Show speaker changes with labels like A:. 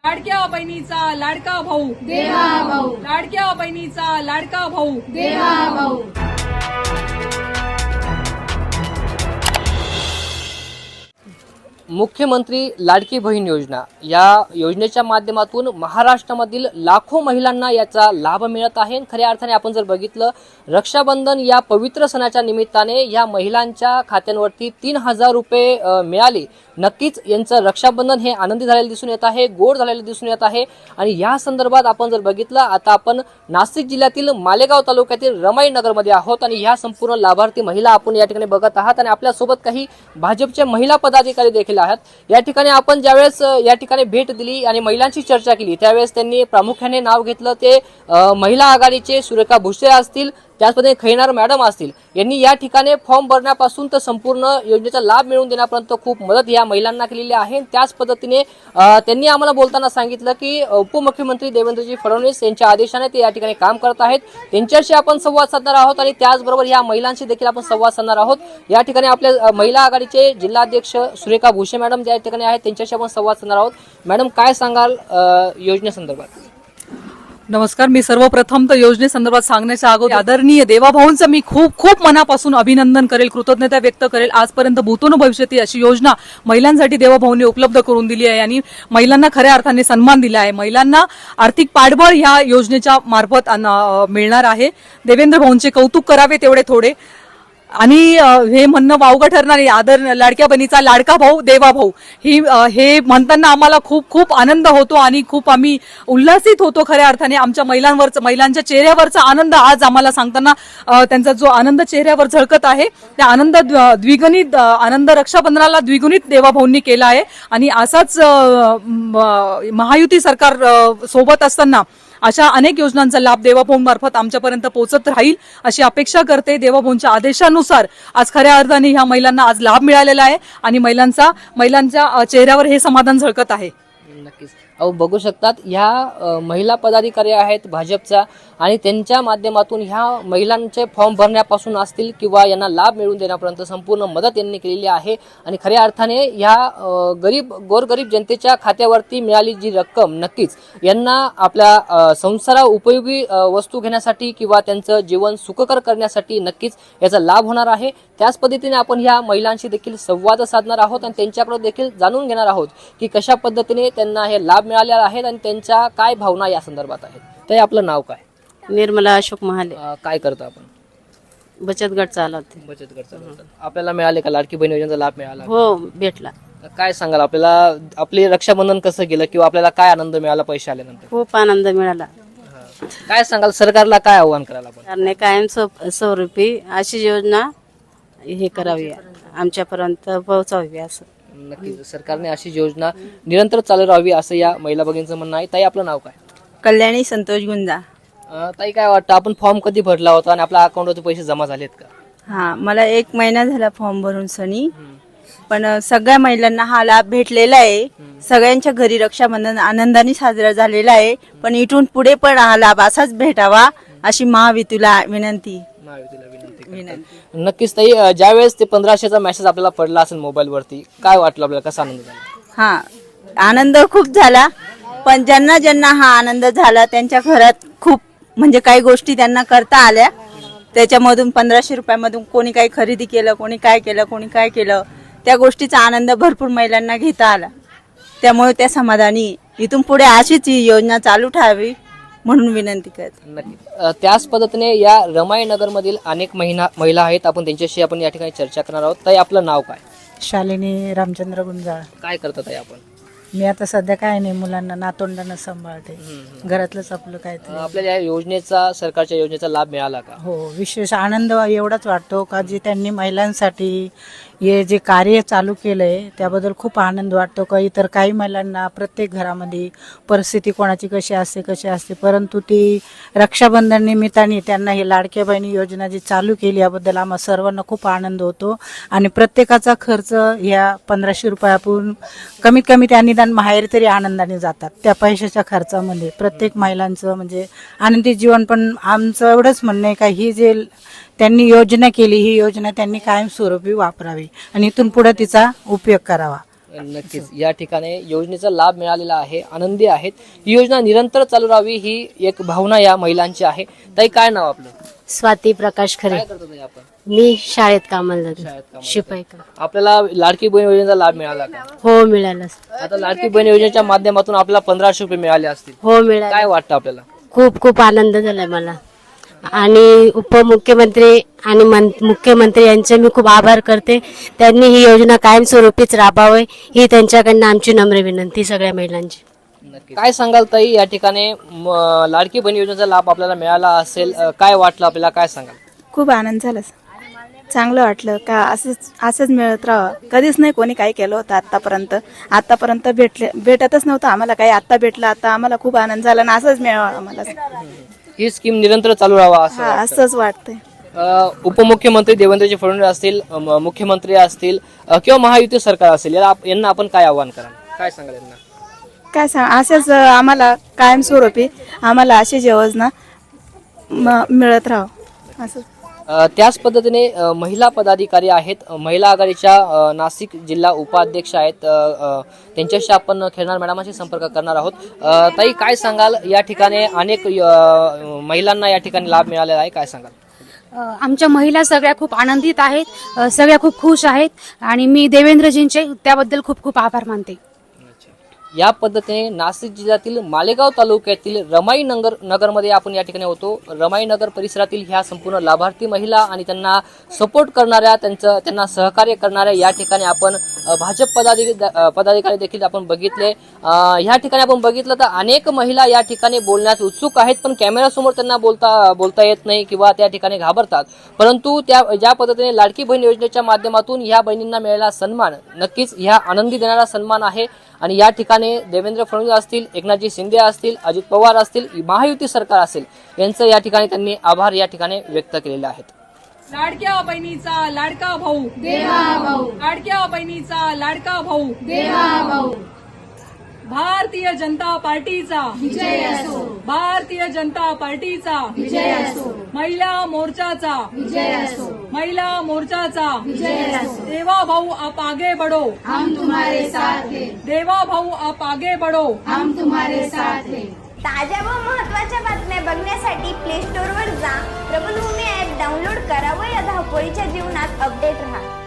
A: लाडक्या बहिणीचा लाडका भाऊ
B: देवा भाऊ,
A: लाडक्या बहिणीचा लाडका भाऊ
B: देवा भाऊ.
C: मुख्यमंत्री लाडकी बहीण योजना या योजनेच्या माध्यमातून महाराष्ट्रामधील लाखो महिलांना याचा लाभ मिळत आहे. खऱ्या अर्थाने आपण जर बघितलं, रक्षाबंधन या पवित्र सणाच्या निमित्ताने या महिलांच्या खात्यांवरती 3,000 रुपये मिळाले. नक्कीच यांचं रक्षाबंधन हे आनंदी झालेलं दिसून येत आहे, गोड झालेलं दिसून येत आहे. आणि या संदर्भात आपण जर बघितलं, आता आपण नाशिक जिल्ह्यातील मालेगाव तालुक्यातील रमाई नगरमध्ये आहोत आणि ह्या संपूर्ण लाभार्थी महिला आपण या ठिकाणी बघत आहात. आणि आपल्यासोबत काही भाजपचे महिला पदाधिकारी देखील आहेत. या ठिकाणी आपण ज्यावेळेस या ठिकाणी भेट दिली आणि महिलांची चर्चा केली, त्यावेळेस त्यांनी प्रामुख्याने नाव घेतलं ते महिला आघाडीचे सुरेखा भुसे असतील, त्याच पद्धतीने खैनार मॅडम असतील. यांनी या ठिकाणी फॉर्म भरण्यापासून तर संपूर्ण योजनेचा लाभ मिळवून देण्यापर्यंत खूप मदत या महिलांना केलेली आहे. त्याच पद्धतीने त्यांनी आम्हाला बोलताना सांगितलं की उपमुख्यमंत्री देवेंद्रजी फडणवीस यांच्या आदेशाने ते या ठिकाणी काम करत आहेत. त्यांच्याशी आपण संवाद साधणार आहोत आणि त्याचबरोबर या महिलांशी देखील आपण संवाद साधणार आहोत. या ठिकाणी आपल्या महिला आघाडीचे जिल्हाध्यक्ष सुरेखा भुसे मॅडम ज्या ठिकाणी आहेत त्यांच्याशी आपण संवाद साधणार आहोत. मॅडम, काय सांगाल योजनेसंदर्भात?
A: नमस्कार. मी सर्वप्रथम तर योजनेसंदर्भात सांगण्याच्या अगोदर आदरणीय देवाभाऊंचं मी खूप खूप मनापासून अभिनंदन करेल, कृतज्ञता व्यक्त करेल. आजपर्यंत भूतोन भविष्यती अशी योजना महिलांसाठी देवाभाऊंनी उपलब्ध करून दिली आहे आणि महिलांना खऱ्या अर्थाने सन्मान दिला आहे. महिलांना आर्थिक पाठबळ ह्या योजनेच्या मार्फत मिळणार आहे. देवेंद्र भाऊंचे कौतुक करावे तेवढे थोडे. आणि हे म्हणणं वावगं ठरणार आहे, आदर लाडक्या बहिणीचा लाडका भाऊ देवा भाऊ हे म्हणताना आम्हाला खूप खूप आनंद होतो आणि खूप आम्ही उल्हासित होतो. खऱ्या अर्थाने आमच्या महिलांच्या चेहऱ्यावरचा आनंद आज आम्हाला सांगताना त्यांचा जो आनंद चेहऱ्यावर झळकत आहे, त्या आनंद द्विगुणित आनंद रक्षाबंधनाला द्विगुणित देवा भाऊंनी केला आहे. आणि असाच महायुती सरकार सोबत असताना अशा अनेक योजनांचा लाभ देवाभाऊंमार्फत आमच्यापर्यंत पोहोचत राहील अशी अपेक्षा करते. देवाभाऊंच्या आदेशानुसार आज खऱ्या अर्थाने ह्या महिलांना आज लाभ मिळालेला आहे आणि महिलांच्या चेहऱ्यावर हे समाधान झळकत आहे.
C: नक्कीच. अहो, बघू शकतात ह्या महिला पदाधिकारी आहेत भाजपच्या आणि त्यांच्या माध्यमातून ह्या महिलांचे फॉर्म भरण्यापासून असतील किंवा यांना लाभ मिळवून देण्यापर्यंत संपूर्ण मदत यांनी केलेली आहे. आणि खऱ्या अर्थाने ह्या गोरगरीब जनतेच्या खात्यावरती मिळाली जी रक्कम नक्कीच यांना आपल्या संसारा उपयोगी वस्तू घेण्यासाठी किंवा त्यांचं जीवन सुखकर करण्यासाठी नक्कीच याचा लाभ होणार आहे. त्याच पद्धतीने आपण ह्या महिलांशी देखील संवाद साधणार आहोत आणि त्यांच्याकडे देखील जाणून घेणार आहोत की कशा पद्धतीने त्यांना हे लाभ मिळालेला आहेत आणि त्यांच्या काय भावना या संदर्भात आहेत. तर आपलं नाव काय?
D: निर्मला अशोक महाले.
C: काय करता आपण?
D: बचत गट चालवते.
C: बचत गट चालवतात. आपल्याला मिळाले का लाडकी बहीण योजनेचा लाभ मिळाला?
D: हो, भेटला.
C: काय सांगाल, आपल्याला आपले रक्षाबंधन कसं गेलं किंवा आपल्याला काय आनंद मिळाला पैसे आल्यानंतर?
D: खूप आनंद मिळाला.
C: काय सांगाल, सरकारला काय आव्हान करायला आपण?
D: सरकारने कायम स्वरूपी अशी योजना हे करावी, आमच्यापर्यंत पोहोचावी असं.
C: नक्कीच सरकारने अशी योजना निरंतर चालू राहावी असं या महिला भगिनींचं म्हणणं आहे. ताई, आपलं नाव काय?
E: कल्याणी संतोष गुंजा.
C: ताई, काय वाटतं, आपण फॉर्म कधी भरला होता आणि आपल्या अकाउंटवरती पैसे जमा झालेत का?
E: हा, मला 1 महिना झाला फॉर्म भरून सनी. पण सगळ्या महिलांना हा लाभ भेटलेला आहे. सगळ्यांच्या घरी रक्षाबंधन आनंदाने साजरा झालेला आहे. पण इथून पुढे पण हा लाभ असाच भेटावा अशी महायुतीला विनंती.
C: नक्कीच ताई, ज्यावेळेस ते 1500चा मेसेज आपल्याला पडला असेल मोबाईल वरती, काय वाटलं आपल्याला, कसा आनंद झाला?
E: हा, आनंद खूप झाला. पण ज्यांना ज्यांना हा आनंद झाला त्यांच्या घरात खूप म्हणजे काही गोष्टी त्यांना करता आल्या. त्याच्यामधून 1500 रुपयामधून कोणी काही खरेदी केलं, कोणी काय केलं, त्या गोष्टीचा आनंद भरपूर महिलांना घेता आला. त्यामुळे त्या समाधानी इथून पुढे अशीच ही योजना चालू ठेवावी म्हणून विनंती करते.
C: नक्की. त्याच पद्धतीने या रमाई नगर मधील अनेक महिला आहेत, आपण त्यांच्याशी आपण या ठिकाणी चर्चा करणार आहोत. ताई, आपलं नाव काय?
F: शालिनी रामचंद्र गुंजाळ.
C: काय करतात ताई आपण?
F: मी आता सध्या काय नाही, मुलांना नातोंडांना सांभाळते. घरातलंच आपलं काय ते.
C: आपल्याला या योजनेचा, सरकारच्या योजनेचा लाभ मिळाला का?
F: हो, विशेष आनंद एवढाच वाटतो का जे त्यांनी महिलांसाठी हे जे कार्य चालू केलंय त्याबद्दल खूप आनंद वाटतो. का इतर काही महिलांना प्रत्येक घरामध्ये परिस्थिती कोणाची कशी असते, परंतु ती रक्षाबंधन निमित्ताने त्यांना ही लाडक्या बहिणी योजना जी चालू केली याबद्दल आम्हा सर्वांना खूप आनंद होतो. आणि प्रत्येकाचा खर्च ह्या 1500 रुपयापासून कमीत कमी त्या निदान माहेर तरी आनंदाने जातात. त्या पैशाच्या खर्चामध्ये प्रत्येक महिलांचं म्हणजे आनंदी जीवन. पण आमचं एवढंच म्हणणं आहे का ही जे त्यांनी योजना केली ही योजना त्यांनी कायमस्वरूपी वापरावी आणि इथून पुढे तिचा उपयोग करावा.
C: नक्कीच या ठिकाणी योजनेचा लाभ मिळालेला आहे, आनंदी आहेत. ही योजना निरंतर चालू राहावी ही एक भावना या महिलांची आहे. ताई, काय नाव आपलं?
G: स्वाती प्रकाश खरे.
C: काय करतो ताई आपण?
G: मी शाळेत कामाला
C: शाळेत
G: जाते,
C: कामाला
G: शिपाई का.
C: आपल्याला लाडकी बहीण योजनेचा लाभ मिळाला का?
G: हो मिळालं.
C: आता लाडकी बहीण योजनेच्या माध्यमातून आपल्याला 1500 रुपये मिळाले असतील.
G: हो मिळालं.
C: काय वाटतं आपल्याला?
G: खूप खूप आनंद झालाय मला. आणि उपमुख्यमंत्री आणि मुख्यमंत्री यांचे मी खूप आभार करते. त्यांनी ही योजना कायमस्वरूपीच राबवावी ही त्यांच्याकडनं आमची नम्र विनंती सगळ्या महिलांची.
C: काय सांगाल ताई, या ठिकाणी लाडकी बहीण योजनेचा लाभ आपल्याला मिळाला असेल, काय वाटलं आपल्याला, काय सांगाल?
H: खूप आनंद झाला, चांगलं वाटलं का असंच मिळत राहावं. कधीच नाही कोणी काही केलं होतं आतापर्यंत भेटतच नव्हतं आम्हाला काही. आता भेटलं, आता आम्हाला खूप आनंद झाला आणि असंच मिळावं आम्हाला.
C: ही स्कीम निरंतर चालू राहावा असं
H: हा,
C: वाटतं.
H: असंच वाटतंय.
C: उपमुख्यमंत्री देवेंद्रजी फडणवीस असतील, मुख्यमंत्री असतील किंवा महायुती सरकार असेल, यांना आपण काय आवाहन कराल, काय सांगाल यांना?
H: काय सांग, असेच आम्हाला कायमस्वरूपी आम्हाला अशीच योजना मिळत राहावं असं.
C: त्याच पद्धतीने महिला पदाधिकारी आहेत, महिला आघाडीच्या नाशिक जिल्हा उपाध्यक्ष आहेत, त्यांच्याशी आपण खेळणार मॅडमांशी संपर्क करणार आहोत. ताई, काय सांगाल, या ठिकाणी अनेक महिलांना या ठिकाणी लाभ मिळालेला आहे, काय सांगाल?
I: आमच्या महिला सगळ्या खूप आनंदित आहेत, सगळ्या खूप खुश आहेत आणि मी देवेंद्रजींचे त्याबद्दल खूप खूप आभार मानते.
C: या पद्धतीने नाशिक जिल्ह्यातील मालेगाव तालुक्यातील रमाई नगरमध्ये आपण या ठिकाणी होतो. रमाई नगर परिसरातील ह्या संपूर्ण लाभार्थी महिला आणि त्यांना सपोर्ट करणाऱ्या, त्यांना सहकार्य करणाऱ्या या ठिकाणी आपण भाजप पदाधिकारी देखील आपण बघितले. ह्या ठिकाणी आपण बघितलं तर अनेक महिला या ठिकाणी बोलण्यास उत्सुक आहेत, पण कॅमेरासमोर त्यांना बोलता येत नाही किंवा त्या ठिकाणी घाबरतात. परंतु ज्या पद्धतीने लाडकी बहीण योजनेच्या माध्यमातून ह्या बहिणींना मिळालेला सन्मान नक्कीच ह्या आनंदी देणारा सन्मान आहे. आणि या ठिकाणी देवेंद्र फडणवीस असतील, एकनाथजी शिंदे असतील, अजित पवार असतील, महायुती सरकार असेल, यांचं या ठिकाणी त्यांनी आभार या ठिकाणी व्यक्त केलेले आहेत.
A: लाडक्या बहिणीचा लाडका भाऊ
B: देवा भाऊ,
A: लाडक्या बहिणीचा लाडका भाऊ
B: देवा भाऊ.
A: भारतीय जनता पार्टीचा
B: विजय असो,
A: भारतीय जनता पार्टीचा
B: विजय असो,
A: महिला मोर्चाचा
B: विजय असो,
A: महिला मोर्चाचा
B: विजय असो.
A: देवा भाऊ आप आगे बढ़ो,
B: हम तुम्हारे साथ हैं,
A: देवा भाऊ आप आगे बढ़ो.
B: हम तुम्हारे साथ हैं.
J: ताज्या व महत्त्वाच्या बातम्या बघण्यासाठी प्ले स्टोअरवर जा, प्रबलभूमी ॲप डाउनलोड करा व या धावपळीच्या जीवनात अपडेट रहा.